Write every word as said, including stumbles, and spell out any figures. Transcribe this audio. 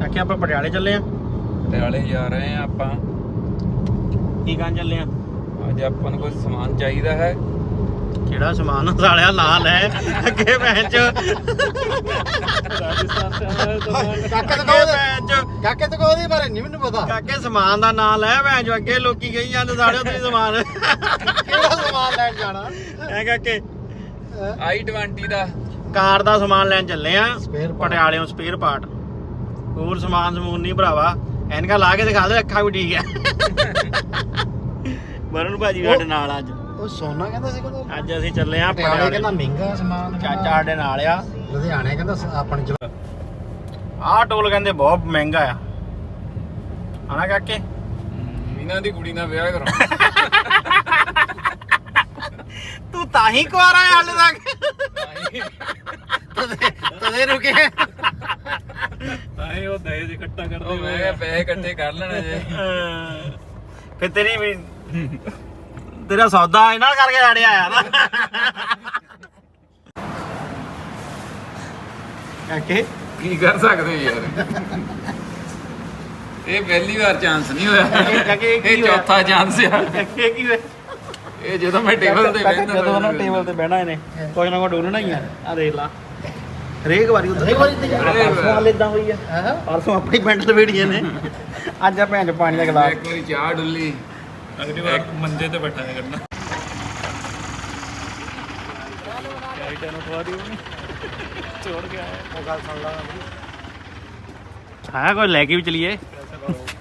ਕਾਕੇ ਆਪਾਂ ਪਟਿਆਲੇ ਚੱਲੇ ਆ। ਪਟਿਆਲੇ ਜਾ ਰਹੇ ਆ ਆਪਾਂ। ਕੀ ਕਰਨ ਚੱਲੇ ਆ? ਅੱਜ ਆਪਾਂ ਨੂੰ ਕੁਝ ਸਮਾਨ ਚਾਹੀਦਾ ਹੈ। ਕਿਹੜਾ ਸਮਾਨ ਸਾਲਿਆ ਨਾਂ ਲੈ ਅੱਗੇ ਭੈਣ ਚ ਰਾਜਸਥਾਨ से आया है तो ਕਾਕੇ ਤੋਂ ਕਹੋ ਭੈਣ ਚ काके तो को बारे नहीं मैंने पता ਕਾਕੇ ਸਮਾਨ ਦਾ ਨਾਂ ਲੈ ਭੈਣ ਚ ਅੱਗੇ ਲੋਕੀ ਕਹੀ ਜਾਂਦੇ ਸਾਲਿਓ ਤੁਸੀਂ ਸਮਾਨ केड़ा सामान लैन जाना ਐ ਕਾਕੇ ਆਈ ਟਵੰਟੀ ਦਾ ਕਾਰ ਦਾ ਸਮਾਨ ਲੈਣ ਚੱਲੇ ਆ Spare part। ਪਟਿਆਲਿਓਂ ਸਪੇਅਰ ਪਾਰਟ। ਹੋਰ ਸਮਾਨ ਸਮੂਨ ਨਹੀਂ ਭਰਾਵਾ, ਐਨਕਾਂ ਲਾ ਕੇ ਦਿਖਾ ਦੇ ਅੱਖਾਂ ਵੀ ਠੀਕ ਆ। ਵਰੁਣ ਭਾਜੀ ਸਾਡੇ ਨਾਲ ਅੱਜ ਉਹ ਸੋਨਾ ਕਹਿੰਦਾ ਸੀ ਕਹਿੰਦਾ ਅੱਜ ਅਸੀਂ ਚੱਲੇ ਆ ਪਟਿਆਲੇ ਪਟਿਆਲੇ। ਕਹਿੰਦਾ ਮਹਿੰਗਾ ਸਮਾਨ ਚਾਚਾ ਸਾਡੇ ਨਾਲ ਆ। ਲੁਧਿਆਣੇ ਕਹਿੰਦਾ ਆਪਣੇ ਚ ਆਹ ਟੋਲ ਕਹਿੰਦੇ ਬਹੁਤ ਮਹਿੰਗਾ ਆ ਹਨਾ ਕਾਕੇ? ਇਹਨਾਂ ਦੀ ਕੁੜੀ ਨਾਲ ਵਿਆਹ ਕਰਾਉਣਾ। ਤੂੰ ਤਾਂ ਹੀ ਕੁਆਰਾ ਹੈ ਹਾਲੇ ਤੱਕ ਤਦੇ ਰੁਕੇ ਤਾਂ ਹੀ ਉਹ ਦਹੇਜ ਇਕੱਠਾ ਕਰਦੇ ਉਹ ਮੈਂ ਕਿਹਾ ਪੈਸੇ ਇਕੱਠੇ ਕਰ ਲੈਣੇ ਜੇ। ਫਿਰ ਤੇਰੀ ਵੀ ਤੇਰਾ ਸੌਦਾ ਇਹਨਾਂ ਕਰਕੇ ਆੜਿਆ ਆਇਆ ਨਾ ਕਾਕੇ। ਕੀ ਕਰ ਸਕਦੇ ਯਾਰ, ਇਹ ਪਹਿਲੀ ਵਾਰ ਚਾਂਸ ਨਹੀਂ ਹੋਇਆ, ਕਾਕੇ ਇਹ ਕੀ ਹੋਇਆ? ਚੌਥਾ ਚਾਂਸ ਆ। ਕਾਕੇ ਕੀ ਹੋਇਆ? ਇਹ ਜਦੋਂ ਮੈਂ ਟੇਬਲ ਤੇ ਬੈਠਦਾ ਜਦੋਂ ਨਾ ਟੇਬਲ ਤੇ ਬਹਿਣਾ ਇਹਨੇ ਕੁਝ ਨਾ ਕੁਝ ਡੋਲਣਾ ਹੀ ਆ। ਆ ਦੇਖ ਲਾ ਹਰੇਕ ਵਾਰੀ ਹਰੇਕ ਵਾਰੀ ਤੇ ਹਰੇਕ ਪਰਸੋਂ ਵਾਰ। ਹਾਲ ਇਦਾਂ ਹੋਈ ਆ। ਹਾਂ ਪਰਸੋਂ ਆਪਣੀ ਪੈਂਟ ਲਵੇੜੀਆਂ ਨੇ, ਅੱਜ ਆ ਭੈਣ ਚ ਪਾਣੀ ਦਾ ਗਲਾਸ। ਇੱਕ ਵਾਰੀ ਚਾਹ ਡੁੱਲੀ, अगली बार मंजे पे बैठा है करना छोड़ के आया वो गल सुन ला ਹਾਂ ਕੋਈ ਲੈ ਕੇ ਵੀ ਚਲੀਏ। कैसे करो